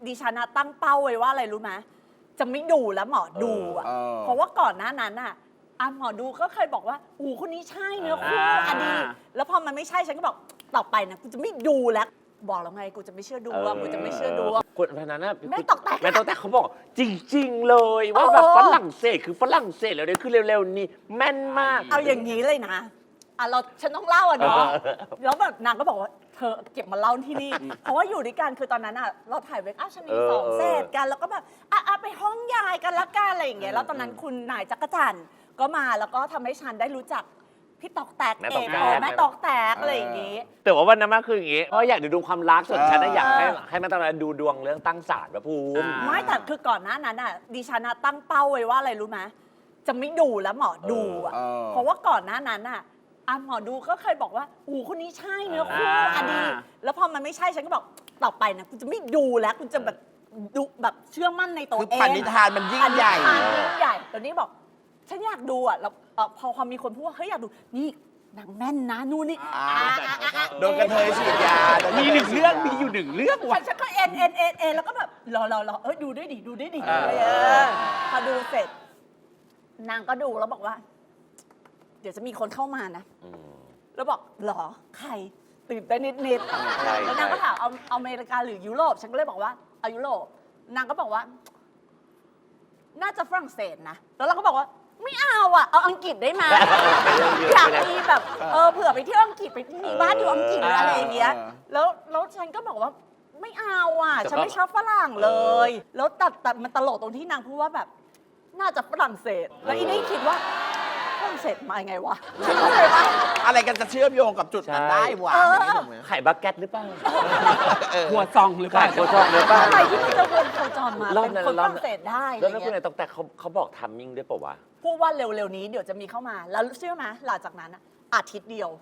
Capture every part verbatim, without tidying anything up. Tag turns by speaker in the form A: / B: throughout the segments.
A: ดิฉันนะตั้งเป้าไว้ว่าอะไรรู้ไหมจะไม่ดูแล้วหมอดูอ่ะเพราะว่าก่อนหน้านั้นอ่ะอ่ะหมอดูก็เคยบอกว่าอู้คนนี้ใช่เนื้อคู่อดีแล้วพอมันไม่ใช่ฉันก็บอกต่อไปนะกูจะไม่ดูแล้วบอกแล้วไงกูจะไม่เชื่อดูอ่ะกูจะไม่เชื่อดู
B: คนพนันน่ะ
A: แม่ตอกแตก
B: แม่ตอกแตกเขาบอกจริงๆเลยว่าแบบฝรั่งเศสคือฝรั่งเศสแล้วเนี่ยคือเร็วๆนี้แม่นมาก
A: เอาอย่างนี้เลยนะอ่ะเราฉันต้องเล่าอ่ะเนาะแล้วแบบนางก็บอกว่าเธอเก็บมาเล่าที่นี่เพราะว่าอยู่ด้วยกันคือตอนนั้นอ่ะเราถ่ายเวกอัพชนีสองเซตกันแล้วก็แบบอ่ะไปห้องยายกันละกันอะไรอย่างเงี้ยแล้วตอนนั้นคุณนายจักรจันทร์ก็มาแล้วก็ทำให้ฉันได้รู้จักพี่ตอกแตกเองแม่ตอกแตกอะไรอย่างงี้
B: แต่ว่าวันนั้นมันคืออย่างงี้เพราะอยากดูดวงความรักส่วนฉันอยากให้ให้แม่ตอกดูดวงเรื่องตั้งศาลพระภูมิ
A: ไม่แต่คือก่อนหน้านั้นอ่ะดิฉันตั้งเป้าไว้ว่าอะไรรู้ไหมจะไม่ดูแล้วหมอดูอ่ะเพราะว่าก่อนหน้านั้นอ่ะอ่ะหมอดูก็เคยบอกว่าอู้คนนี้ใช่เนื้อคู่อดีแล้วพอมันไม่ใช่ฉันก็บอกต่อไปนะกูจะไม่ดูแล้วกูจะแบบดูแบบเชื่อมั่นในตัวเอง
C: คือปณิธานมันยิ่งใหญ่
A: ยิ่งใหญ่ตอนนี้บอกฉันอยากดูอ่ะแล้วพอความมีคนพูดว่าเฮ้ยอยากดูนี่นางแม่นนะนู่นนี่
C: โดนกระเทยฉีดยา
B: มีหนึ่งเรื่องมีอยู่หนึ่งเรื่อง
A: ว่ะฉันก็เอ็นเอ็นเอ็นเอ็นแล้วก็แบบรอรอรอเออดูด้วยดิดูด้วยดิพอดูเสร็จนางก็ดูแล้วบอกว่าเดี๋ยวจะมีคนเข้ามานะแล้วบอกหรอใครตื่นเต้นนิดๆแล้วนางก็ถามเอาอเมริกาหรือยุโรปฉันก็เลยบอกว่าเอายุโรปนางก็บอกว่าน่าจะฝรั่งเศสนะแล้วเราก็บอกว่าไม่เอาอ่ะเอาอังกฤษได้ไหมอยากมีแบบเออเผื่อไปเที่ยวอังกฤษไปมีบ้านอยู่อังกฤษหรืออะไรอย่างเงี้ยแล้วแล้วฉันก็บอกว่าไม่เอาอ่ะฉันไม่ชอบฝรั่งเลยแล้วตัดตัดมันตลกตรงที่นางพูดว่าแบบน่าจะฝรั่งเศสแล้วอีนี่คิดว่าฝรั่งเศสมาไงวะเข้าใจปะ
C: อะไรกันจะเชื่อมโยงกับจุดนั้นได้วะ
B: ไข่บักเก็ตหรือเปล่า
D: หัวซองหรือเปล่า
B: หัวซองหรือเปล่า
A: ทำไมที่มันจะวนโคจรมาเป็นคนฝรั่งเศสได้
B: แล้วคุณนายตอกแตกเขาเขาบอกทัมมิ่งด้วยป่าววะ
A: พูดว่าเร็วๆนี้เดี๋ยวจะมีเข้ามาแล้วเชื่อไหมหลังจากนั้นอาทิตย์เดียว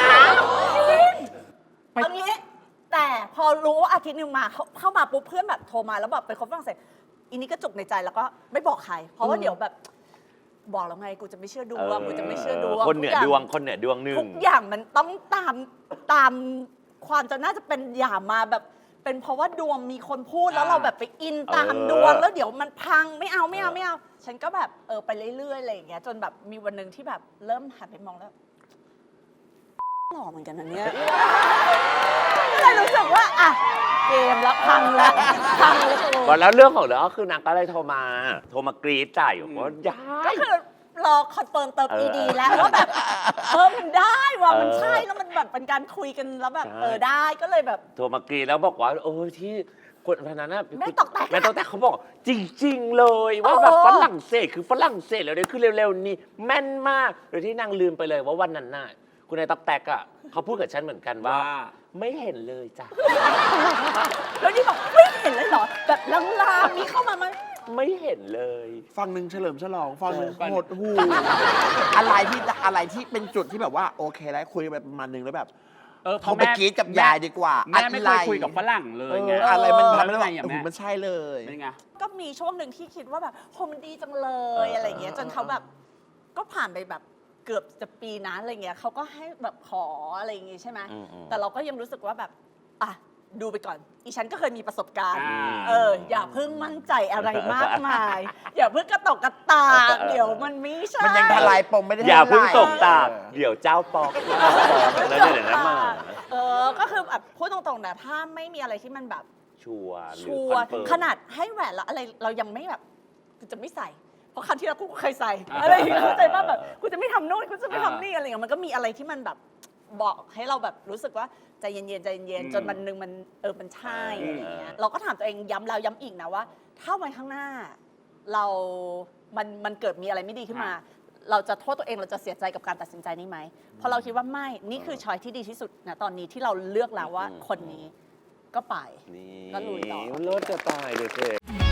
A: เอางี้แต่พอรู้ว่าอาทิตย์นึงมาเข้ามาปุ๊บเพื่อนแบบโทรมาแล้วแบบเป็นคนฝรั่งเศสอีนี้ก็จุกในใจแล้วก็ไม่บอกใครเพราะว่าเดี๋ยวแบบบอกแล้วไงกูจะไม่เชื่อดวงกูจะไม่เชื่อดวง
B: คนเหนือดวงคนเหนือดวงหนึ่ง
A: ทุกอย่างมันต้องตามตามความจะน่าจะเป็นอย่ามาแบบเป็นเพราะว่าดวงมีคนพูดแล้วเราแบบไปอินตามดวงแล้วเดี๋ยวมันพังไม่เอาไม่เอาไม่เอาฉันก็แบบเออไปเรื่อยๆอะไรอย่างเงี้ยจนแบบมีวันหนึ่งที่แบบเริ่มหันไปมองแล้วหล่อเหมือนกันนะเนี่ยก็เลยรู้สึกว่าอ่ะเกมแล้วพังแล้วพังแล้ว
B: บอกแล้วเรื่องของเรื่องก็คือนางก็เลยโทรมาโทรมากรีดจ่ายว่าย้าย
A: ก็คือรอคอนเฟิร์มเติม อี ดี แล้วว่าแบบเออมันได้ว่ะมันใช่แล้วมันแบบเป็นการคุยกันแล้วแบบเออได้ก็เลยแบบ
B: โทรมากรีดแล้วบอกว่าโอ้ที่คนพนันน่ะ
A: แม่ตอกแตก
B: แม่ตอกแตกเขาบอกจริงๆเลยว่าแบบฝรั่งเศสคือฝรั่งเศสแล้วเนี่ยคือเร็วๆนี้แม่นมากโดยที่นางลืมไปเลยว่าวันนั้นน่ะคุณนายตอกแตกอ่ะเขาพูดกับฉันเหมือนกันว่าไม่เห็นเลยจ้ะ
A: แล้วนี่บอกไม่เห็นเลยเหรอแบบลางๆมีเข้ามาไหม
B: ไม่เห็นเลย
C: ฟังหนึ่งเฉลิมฉลองฟังหนึ่งหดหูอะไรที่อะไรที่เป็นจุดที่แบบว่าโอเคแล้วคุยไปประมาณนึงแล้วแบบเออเขาไปกรี๊ดกับยายดีกว่า
D: แม่ไม่เคยคุยกับฝรั่งเลยไง
C: อะไรมันทำให้แบบมันใช่เลย
D: เป็นไง
A: ก็มีช่วงหนึ่งที่คิดว่าแบบโหมันดีจังเลยอะไรเงี้ยจนเขาแบบก็ผ่านไปแบบเกือบจะปีนะอะไรเงี้ยเขาก็ให้แบบขออะไรอย่างงี้ใช่ไหมแต่เราก็ยังรู้สึกว่าแบบอ่ะดูไปก่อนอีฉันก็เคยมีประสบการณ์เอออย่าเพิ่งมั่นใจอะไรมากมายอย่าเพิ่งกระตกกระตากเดี๋ยวมันไม่ใช่
C: มันยังทลายปมไม่ได้
B: อย่าเพิ่งตกตากเดี๋ยวเจ้าปอกแล้วเดี๋ยวนั้นมา
A: เออก็คือแบบพูดตรงๆนะถ้าไม่มีอะไรที่มันแบบ
B: ชัวร์
A: ชัวร์ขนาดให้แหวนแล้วอะไรเรายังไม่แบบกูจะไม่ใส่เพราะครั้งที่แล้วกูเคยใส่อะไรอย่างเงี้ยเข้าใจป่ะแบบกูจะไม่ทำโน่นกูจะไม่ทำนี่อะไรอย่างเงี้ยมันก็มีอะไรที่มันแบบบอกให้เราแบบรู้สึกว่าใจเย็นๆใจเย็นๆจนวันหนึ่งมันเออมันใช่อะไรอย่างเงี้ยเราก็ถามตัวเองย้ำแล้วย้ำอีกนะว่าถ้าวันข้างหน้าเรา มันมันเกิดมีอะไรไม่ดีขึ้นมาเราจะโทษตัวเองเราจะเสียใจกับการตัดสินใจนี้ไหมเพราะเราคิดว่าไม่นี่คือช้อยที่ดีที่สุดนะตอนนี้ที่เราเลือกแล้วว่าคนนี้ก็ไปก็ลุยต่อ
B: รถจะตายเลย